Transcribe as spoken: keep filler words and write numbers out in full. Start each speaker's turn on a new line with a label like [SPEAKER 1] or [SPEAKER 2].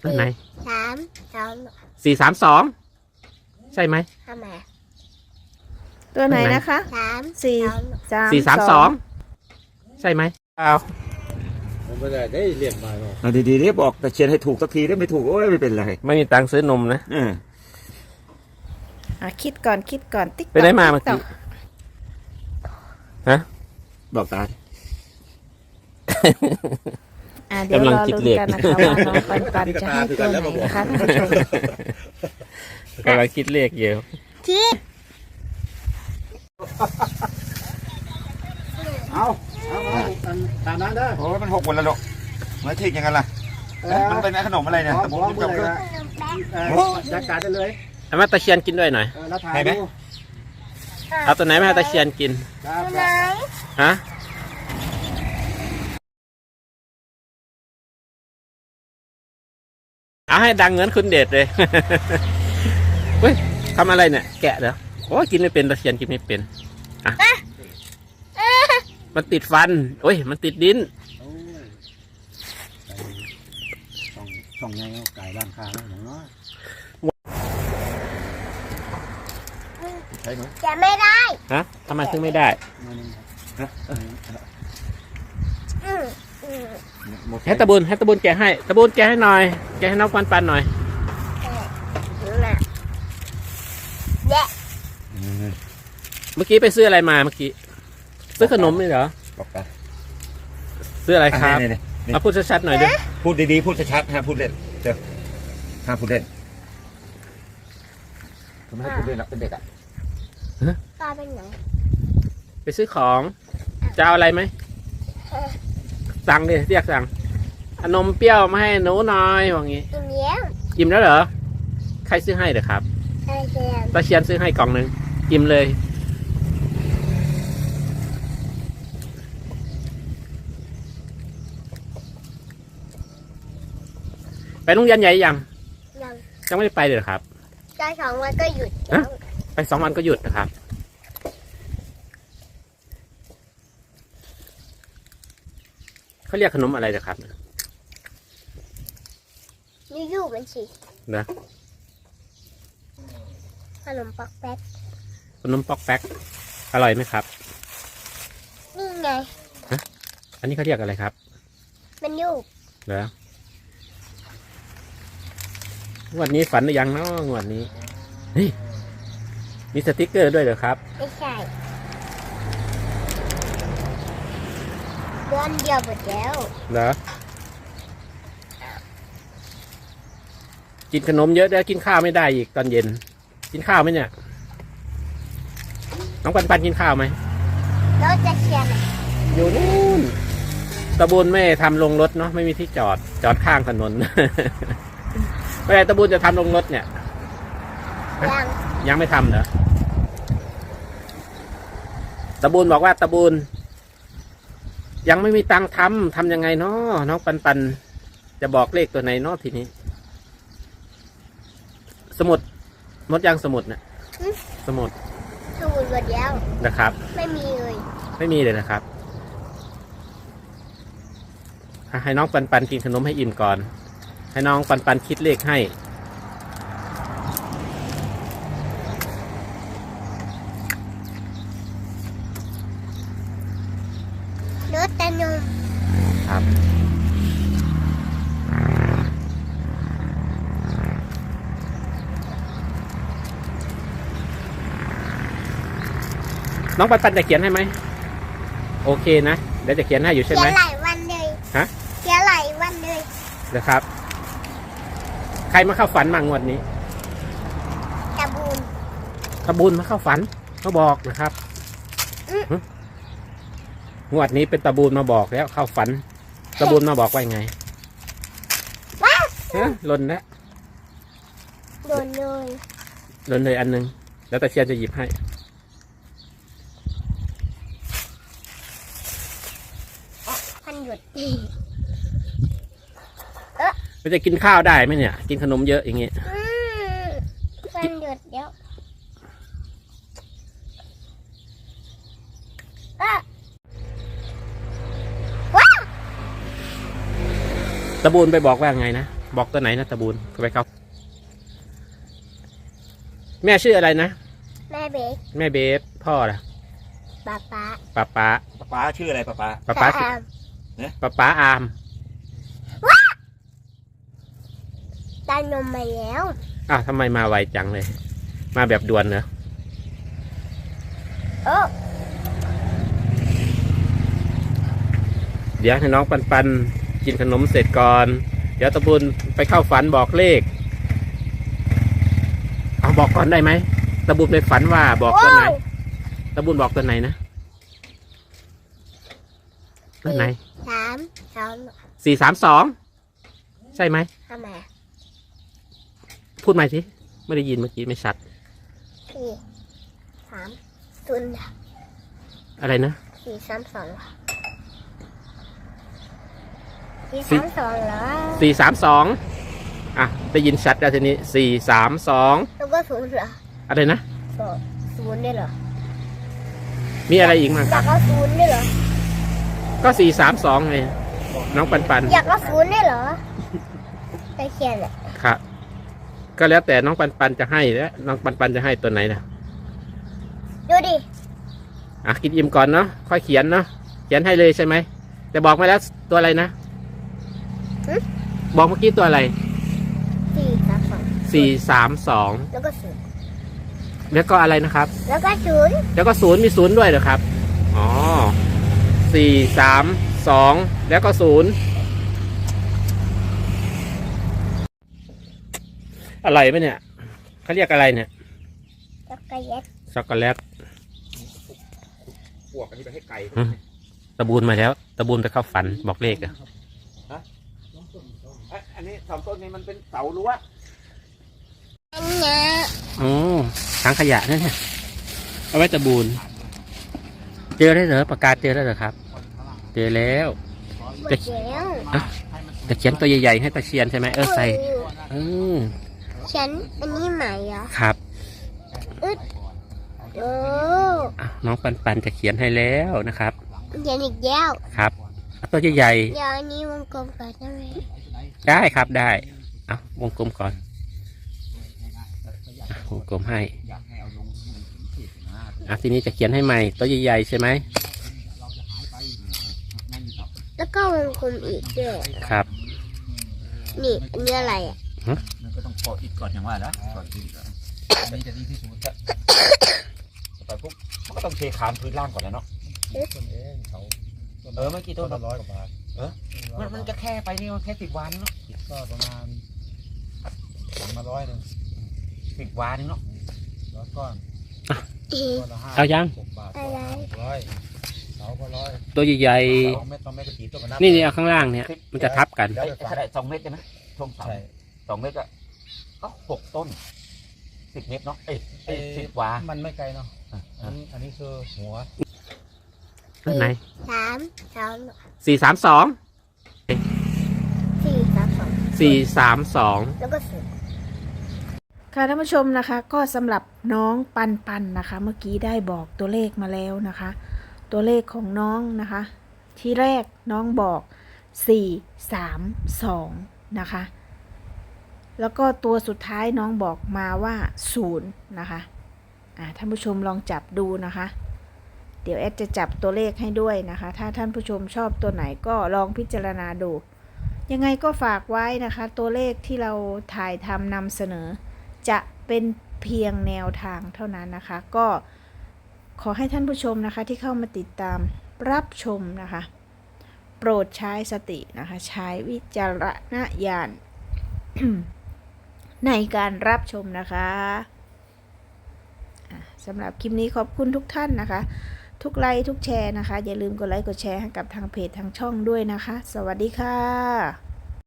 [SPEAKER 1] ตัวไหน
[SPEAKER 2] สามสอง
[SPEAKER 1] สี่สามสองใช่ไหม
[SPEAKER 2] ทำไม
[SPEAKER 3] ตัวไหนนะคะ
[SPEAKER 2] สาม
[SPEAKER 3] สี่สาม
[SPEAKER 1] สี่สามสองใช่ไหมเอา
[SPEAKER 4] ไม่ได้ได้เรียกมาหรอก
[SPEAKER 5] ดีๆนี่บอกแต่เชียนให้ถูกสักทีได้ไม่ถูกโอ้ยไม่เป็นไร
[SPEAKER 1] ไม่มีตังค์ซื้อนมนะ
[SPEAKER 5] เออ
[SPEAKER 3] อ่ะคิดก่อนคิดก่อนติ๊ก
[SPEAKER 1] ไปได้มาเมื่อกี้ฮะ
[SPEAKER 5] บอกตา
[SPEAKER 3] อ่ะเดี๋ยวรอลุ้นกันนะคะว่าน้องปันปันจะให้ตัวไหนนะคะท่านผู้ชม
[SPEAKER 1] กำลังคิดเลขเยอะ
[SPEAKER 2] คิด
[SPEAKER 4] เอาเอาเอาตามนั้นได้
[SPEAKER 5] โอ้ยมันหกหมดแล้วลูกไม่ทิ้งยังไงล่ะมันเป็นขนมอะไรเนี่ย
[SPEAKER 4] ผม
[SPEAKER 5] ผมจำก็
[SPEAKER 4] จัดการได้เลย
[SPEAKER 1] เอามาตะเคียนกินด้วยหน่อย
[SPEAKER 4] แล้วถ่ายดู
[SPEAKER 1] เอาตัวไหนมาให้ตะเคียนกิน
[SPEAKER 4] ครับ
[SPEAKER 2] ไหน
[SPEAKER 1] ฮะเอาให้ดังเงินคุณเดชเลย เฮ้ยทำอะไรเนี่ยแกะเหรอโอ้ยกินไม่เป็นตะเคียนกินไม่เป็นอ่ะมันติดฟันโอ้ยมันติดดิน
[SPEAKER 4] ส่องส่องไงไก่ร้านค้าอย่างน้อย
[SPEAKER 5] ใช่ไหม
[SPEAKER 2] จะไม่ได้
[SPEAKER 1] ฮะทำไมถึงไม่ได้
[SPEAKER 2] อืมอืม
[SPEAKER 1] ให้ตะบุญให้ตะบุญแกะให้ตะบุญแกะให้หน่อยแกะให้น้องปันปันหน่อย
[SPEAKER 2] น่ะแยะ
[SPEAKER 1] เมื่อกี้ไปซื้ออะไรมาเมื่อกี้ซื้อขนมนี่เหรอ
[SPEAKER 5] บอกตา
[SPEAKER 1] ซื้ออะไรครับ
[SPEAKER 5] นี่นี่
[SPEAKER 1] เอาพูดชัดๆหน่อยดิ
[SPEAKER 5] พูดดีๆพูดชัดๆห้ามพูดเล่นเดี๋ยวห้ามพูดเล่นทำไมให้พูดเล่นนะเป็นเด็กอ่ะ
[SPEAKER 2] ตาเป็นไหน
[SPEAKER 1] ไปซื้อของจะเอาอะไรไหมสั่งดิเรียกสั่งเอานมเปรี้ยวมาให้หนูหน่อยว่างี้
[SPEAKER 2] อิ่มแล้ว
[SPEAKER 1] อิ่มแล้วเหรอใครซื้อให้เหรอครับ
[SPEAKER 2] ใช่เชียน
[SPEAKER 1] ตาเชียนซื้อให้กล่องหนึ่งอิ่มเลยไปโรงเรียนใหญ่ยัง
[SPEAKER 2] ยัง
[SPEAKER 1] ยังไม่ได้ไปเลยเหรอครับ
[SPEAKER 2] ได้สองวันก็หยุดแล้ว
[SPEAKER 1] ไปสองวันก็หยุดนะครับเขาเรียกขนมอะไรนะครับ
[SPEAKER 2] ยู่ๆมันสิ
[SPEAKER 1] นะ
[SPEAKER 2] ขนมปักแป๊ก
[SPEAKER 1] ขนมป๊อกแป๊กอร่อยไหมครับ
[SPEAKER 2] นี่ไง
[SPEAKER 1] อันนี้เขาเรียกอะไรครับ
[SPEAKER 2] มันยู่
[SPEAKER 1] เหรอ งวดนี้ฝันหรือยังเนาะงวดนี้นี่มีสติกเกอร์ด้วยเหรอครับ
[SPEAKER 2] ไม่ใช่เดือนเดียวหมดแล้ว
[SPEAKER 1] เหรอ กินขนมเยอะแล้วกินข้าวไม่ได้อีกตอนเย็น กินข้าวไหมเนี่ย น้องปันปันกินข้าวไหม
[SPEAKER 2] แล้วจะเชียร์ไหน
[SPEAKER 1] อยู่นู่นตะบูนไม่ทำลงรถเนาะไม่มีที่จอดจอดข้างถนน เมื่อไหร่ตะบูนจะทำลงรถเนี่ย
[SPEAKER 2] ยัง
[SPEAKER 1] ยังไม่ทำเหรอตะบูนบอกว่าตะบูนยังไม่มีตังค์ทำทำยังไงเนาะน้องปันปันจะบอกเลขตัวไหนเนาะทีนี้ สมุดมดยังสมุดเนี่ยสมุด
[SPEAKER 2] สูตรหมดแล้ว
[SPEAKER 1] นะครับ
[SPEAKER 2] ไม่มีเลย
[SPEAKER 1] ไม่มีเลยนะครับให้น้องปันปันกินขนมให้อิ่มก่อน ให้น้องปันปันคิดเลขให้
[SPEAKER 2] เนื้อแต่นม
[SPEAKER 1] ครับน้องปันปันจะเขียนให้ไหมโอเคนะเดี๋ยวจะเขียนให้อยู่ใช่
[SPEAKER 2] เขี
[SPEAKER 1] ไหม
[SPEAKER 2] ยนหลายวันเลย
[SPEAKER 1] ฮะ
[SPEAKER 2] เขียนหลายวันเลย
[SPEAKER 1] นะครับ ใครมาเข้าฝันมางวดนี้
[SPEAKER 2] ตะบูน
[SPEAKER 1] ตะบุญมาเข้าฝันมาบอกนะครับหึงวดนี้เป็นตะบูนมาบอกแล้วเข้าฝันตะบูนมาบอกว่าไง
[SPEAKER 2] ว้า
[SPEAKER 1] ฮะหล่นแล้ว
[SPEAKER 2] โดนเลย
[SPEAKER 1] หล่นเลยอันหนึงแล้วตะเชียนจะหยิบให้
[SPEAKER 2] พันหยุด
[SPEAKER 1] มันจะกินข้าวได้ไหมเนี่ย กินขนมเยอะอย่างเงี้ย
[SPEAKER 2] อืมพันหยุดเดี๋ยวอ่ะว้า
[SPEAKER 1] ตะบูนไปบอกว่าไงนะบอกตัวไหนนะตะบูนไปเขาแม่ชื่ออะไรนะ
[SPEAKER 2] แม่เบก
[SPEAKER 1] แม่เบฟพ่อล่ะ
[SPEAKER 2] ป๊าป๊า
[SPEAKER 1] ป้าป้า
[SPEAKER 5] ป๊าป๊าชื่ออะไรป๊าป๊า
[SPEAKER 1] ป้าป้า
[SPEAKER 2] แอม
[SPEAKER 1] ป้าป้าอาม
[SPEAKER 2] ได้นมมาแล้ว
[SPEAKER 1] อ้าวทำไมมาไวจังเลย มาแบบด่วนเหรอ
[SPEAKER 2] โอ้
[SPEAKER 1] เดี๋ยวให้น้องปันปันกินขนมเสร็จก่อน เดี๋ยวตะบุญไปเข้าฝันบอกเลข เอาบอกก่อนได้ไหมตะบุญในฝันว่าบอกตัวไหนตะบุญบอกตัวไหนนะตัวไหน
[SPEAKER 2] สามสอง
[SPEAKER 1] สี่สามสองใช่ไหม
[SPEAKER 2] ทำไม
[SPEAKER 1] พูดใหม่สิไม่ได้ยินเมื่อกี้ไม่ชัด
[SPEAKER 2] สี่สามศูนย์
[SPEAKER 1] อะไรนะ
[SPEAKER 2] สี่สามสองสี่
[SPEAKER 1] สี่
[SPEAKER 2] สามสองเหรอ
[SPEAKER 1] สี่สามสองอ่ะได้ยินชัดแล้วทีนี้สี่สามสอง
[SPEAKER 2] แล้วก็ศูนย์เหรอ
[SPEAKER 1] อะไรนะ
[SPEAKER 2] สองศูนย์ได้เหรอ
[SPEAKER 1] มีอะไรอีกมั้ง
[SPEAKER 2] อยากเอาศูนย์ได้เหรอ
[SPEAKER 1] ก็สี่สามสองไงน้องปันปัน
[SPEAKER 2] อยากเอาศูนย์ได้เหรอไปเขียนอ่ะ
[SPEAKER 1] ครับก็แล้วแต่น้องปันปันจะให้แล้วน้องปันปันจะให้ตัวไหนนะ
[SPEAKER 2] ดูดิ
[SPEAKER 1] อ่ะกินอิ่มก่อนเนาะค่อยเขียนเนาะเขียนให้เลยใช่ไหมแต่บอกมาแล้วตัวอะไรนะบอกเมื่อกี้ตัวอะไร
[SPEAKER 2] สี่สามสอง
[SPEAKER 1] สี่สามสอง
[SPEAKER 2] แล้วก็ศูนย์
[SPEAKER 1] แล้วก็อะไรนะครับ
[SPEAKER 2] แล้วก็ศูนย์
[SPEAKER 1] แล้วก็ศูนย์มีศูนย์ด้วยเหรอครับอ๋อสี่สามสองแล้วก็ศูนย์อะไรไหมเนี่ยเขาเรียกอะไรเนี่ย
[SPEAKER 2] แล้วก็เย็ด
[SPEAKER 1] ช็อกโกแลต
[SPEAKER 5] พวกอันนี้ไปให้ไก่
[SPEAKER 1] อืมตะบูนมาแล้วตะบูนไปเข้าฝันบอกเลขอะ
[SPEAKER 5] เอ้ยอันนี้สองต้นนี้มันเป็นเสารั้ว
[SPEAKER 2] อันเนี้ย
[SPEAKER 1] โอ้ถังขยะนั่นเนี่ยเอาไว้ตะบูนเจอได้เหรอประกาศเจอแล้วเหรอครับ เจอแล้ว
[SPEAKER 2] หมดแล้ว
[SPEAKER 1] อ่ะจะเขียนตัวใหญ่ๆให้ตะเชียนใช่ไหมเออใส่เออ
[SPEAKER 2] ฉันอันนี้ใหม่เหรอ
[SPEAKER 1] ครับ
[SPEAKER 2] อึดโอ้
[SPEAKER 1] อ่ะน้องปันปันจะเขียนให้แล้วนะครับ
[SPEAKER 2] เขียนอีกแล้ว
[SPEAKER 1] ครับเอาตัวใหญ่
[SPEAKER 2] เดี๋ยวอันนี้วงกลมก่อนได้ไหม
[SPEAKER 1] ๆได้ครับได้เอาวงกลมก่อนอ่ะวงกลมให้อ่ะทีนี้จะเขียนให้ใหม่ตัวใหญ่ๆใช่ไหม
[SPEAKER 2] แล้วก็วงกลมอีกด้วย
[SPEAKER 1] ครับ
[SPEAKER 2] นี่อันนี้อะไรอ่ะ
[SPEAKER 5] มันก็ต้องปอดอิฐก่อนอย่างว่านะก่อนอิฐก่อนอันนี้จะดีที่สุดจะต่อไปปุ๊บมันก็ต้องเทขามพื้นล่างก่อนแล้วเนาะ
[SPEAKER 4] ต้นเองเขา
[SPEAKER 5] เออเมื่อกี้ต้น
[SPEAKER 4] ละร้อยกว่าบาท
[SPEAKER 5] มันมันจะแค่ไปนี่มันแค่สิบวานเนาะ
[SPEAKER 4] คิดก็ประมาณสองมาร้อยหนึ่ง
[SPEAKER 5] สิบวานเนาะ
[SPEAKER 4] ร้อยก้อน
[SPEAKER 2] อี
[SPEAKER 4] ก้อนละห้า
[SPEAKER 1] เอายัง
[SPEAKER 4] หกบาท
[SPEAKER 2] อะไร
[SPEAKER 4] ร้อยเสาก็ร้อย
[SPEAKER 1] ตัวใหญ่
[SPEAKER 4] สองเม็ดสองเม็ดก็กี่ต้นก็นับ
[SPEAKER 1] ๆนี่นี่เอาข้างล่างเนี่ย มันจะทับกัน
[SPEAKER 5] เอ้ยเท่าไหร่สองเมตรใช่ไหมช่วงเสา
[SPEAKER 4] ใช่
[SPEAKER 5] สองเมตรก็ก็หกต้นสิบเมตรเนาะเอ้ยเอ้ยสิบวา
[SPEAKER 4] มันไม่ไกลเนาะ
[SPEAKER 5] อ่ะ
[SPEAKER 4] อันนี้อันนี้คือหัว
[SPEAKER 1] ตัวไหน
[SPEAKER 2] สามสอง
[SPEAKER 1] สี่สามสอง
[SPEAKER 2] สี่สามสอง
[SPEAKER 1] สี่สามสอง
[SPEAKER 2] แล้วก็ศูนย์
[SPEAKER 3] ค่ะท่านผู้ชมนะคะก็สำหรับน้องปันปันนะคะ เมื่อกี้ได้บอกตัวเลขมาแล้วนะคะ ตัวเลขของน้องนะคะ ที่แรกน้องบอกสี่สามสองนะคะแล้วก็ตัวสุดท้ายน้องบอกมาว่าศูนย์นะคะอ่าท่านผู้ชมลองจับดูนะคะ เดี๋ยวแอดจะจับตัวเลขให้ด้วยนะคะ ถ้าท่านผู้ชมชอบตัวไหนก็ลองพิจารณาดู ยังไงก็ฝากไว้นะคะ ตัวเลขที่เราถ่ายทำนำเสนอ จะเป็นเพียงแนวทางเท่านั้นนะคะ ก็ขอให้ท่านผู้ชมนะคะที่เข้ามาติดตามรับชมนะคะ โปรดใช้สตินะคะ ใช้วิจารณญาณ ในการรับชมนะคะอ่ะสำหรับคลิปนี้ขอบคุณทุกท่านนะคะ ทุกไลค์ทุกแชร์นะคะ อย่าลืมกดไลค์กดแชร์ให้กับทางเพจทางช่องด้วยนะคะ สวัสดีค่ะ